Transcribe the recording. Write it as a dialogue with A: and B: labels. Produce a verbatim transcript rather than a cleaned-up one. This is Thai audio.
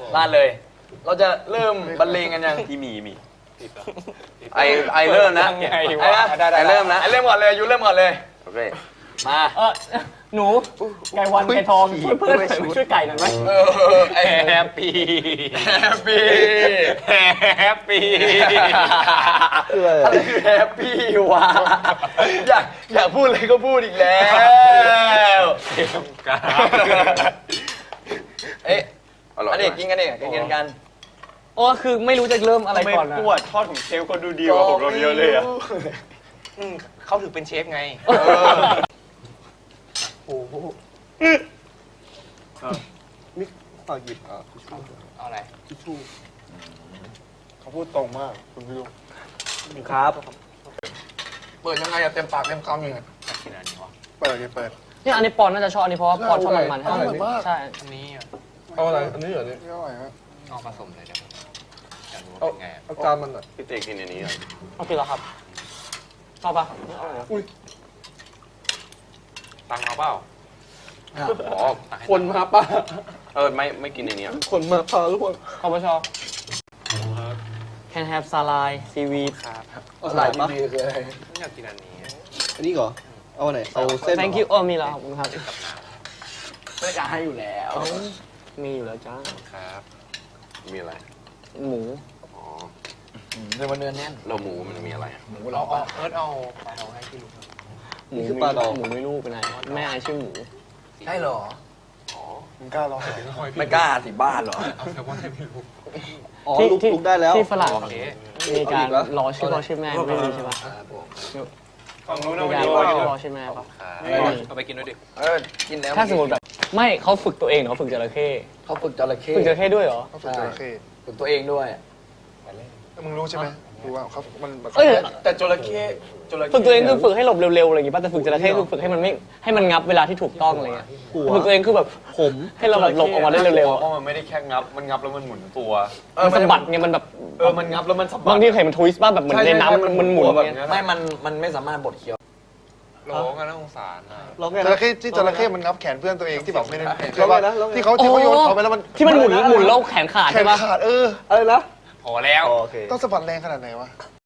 A: ลาดเลย เราจะเริ่มบรรเลงกันยังที่มีมีไอไอเริ่มนะไอไอเริ่มนะไอเริ่มก่อนเลยยูเริ่มก่อนเลยโอเคมา
B: เออหนูไก่วันไก่ทองช่วยเพื่อนช่วยไก่หน่อยไหม
A: เออไอแฮปปี้แฮปปี้แฮปปี้อะไรคือแฮปปี้วะอยากอยากพูดอะไรก็พูดอีกแล้วเอ๊ะอันนี้กินกันเองกินกันกัน
B: โอ้คือไม่รู้จะเริ่มอะไรก่อนนะ
C: ปวดทอดของเชฟก็ดูดีกว่าผมเราเยอะเลยอ่ะ
D: เขาถือเป็นเชฟไง
C: โอ้โหนี่ฝากหยิบอ่ะทิชชู่
D: เอาอะไร
C: ทิชชู่เขาพูดตรงมากคุณพี่ลูก
A: ครับเปิดยังไงอะเต็มปากเต็มคำอยู่เนี่ย
C: เปิดเนี่ยเปิด
B: เนี่ยอันนี้ปอนน่าจะชอบอันนี้เพราะว่าปอนชอบมันมันใช่
D: อันนี้อ่ะ
C: เอาอะไรอันนี้เหรอเนี่ยอร่อยฮะ
D: เอาผสมเลยเดี๋ยวจะรู้
C: เอา
D: เป็นไง
C: เอาจานมันอ่ะ
A: พี่เตกินอันนี้เหรอ
B: โอเคแล้วครับชอบปะ
C: อุ้ย
D: ตังเอาเปล่า
A: อ๋อ
C: คนมาป่ะ
A: เออไม่ไม่กินอันนี้
C: คนมาพาทุกคน
B: เขาไม่ชอบ Can have salad seaweed
D: ครับ
C: อะไรป่ะคืออะไร
D: ไม่อยากกินอันนี้
C: อันนี้เหรอเอาไหนเอาเส้น
B: Thank you โอ้มีแล้วครับ
A: ไม่กล้าให้อยู่แล้ว
B: มีอยู่แล้วจ้า
D: ครับ
A: มีอะไร
B: หมู
A: อ๋อ
C: เนื้อมันเนื้อแน่น
A: เราหมูมันมีอะไรหมู
D: เราเอาเอิร์ธเอาปลาทองให้พี่ลูก
B: หมูคือปลาดองหมูไม่รู้เป็นไรแม่ไอชื่อหมู
A: ใช่เหรอ
D: อ๋อ
C: มึงกล้าลอง
A: ไม่กล้าสิบ้านเหรอ
D: เอาแซลมอนให้พี่ลูก
C: อ๋อลุกลุกได้แล้ว
B: ที่ฝรั่ง
D: โอเค
B: มีการรอชื่อพ่อชื่อแม่ไม่มีใช่ปะ
D: ฝั่งนู้น
B: มี
D: เอาไป
B: การ
D: ดู
B: รอชื่อพ่อชื่อแม่ปะ
D: เอาไปกินด้วยดิ
A: เออกินแล้ว
B: ถ้าสมมติแบบไม่เขาฝึกตัวเองเขาฝึกจระเข้
A: เขาฝึกจระเข้
B: ฝึกจระเข้ด้วยเหรอ
C: เขาฝึกจระเข้
A: ฝึกตัวเองด้วย
C: มึงรู้ใช่ไหมรู้ว่าเขามันแบบ
B: เอ้ย
A: แต่จระเข้จระเข้
B: ฝึกตัวเองคือฝึกให้หลบเร็วๆอะไรอย่างงี้ป่ะแต่ฝึกจระเข้คือฝึกให้มันไม่ให้มันงับเวลาที่ถูกต้องอะไรเงี้ยฝึกตัวเองคือแบบผมให้เราแบบหลบออกมาได้เร็วๆ
E: เพราะมันไม่ได้แค่งับ มันงับแล้วมันหมุนตัว
B: มันสะบัดไงมันแบบ
E: เออ มันงับแล้วมันสะบัด
B: บางทีเห็นมันทวิสต์บ้างแบบเหมือนในน้ำมันมันหมุน
E: แบบ
B: เงี้ย
E: นี้
A: ไม่มันมันไม่สามารถบดเคี้ยว
D: โหลกันน่าสงสารอ่ะ
C: จระเข้ที่จระเข้มันงับแขนเพื่อนตัวเองที่แบบไม่ได้แล้วว่าที่เขาที่เขาโยนเขาไปแล้วมัน
B: ที่มันหมุนหมุนแล้วแขนขาด
C: แข
B: ใช่
C: น
B: ปะ
C: ขาดเอออะไรนะ
D: พอแล้ว
C: ต้องสะบัดแรงขนาดไหนวะ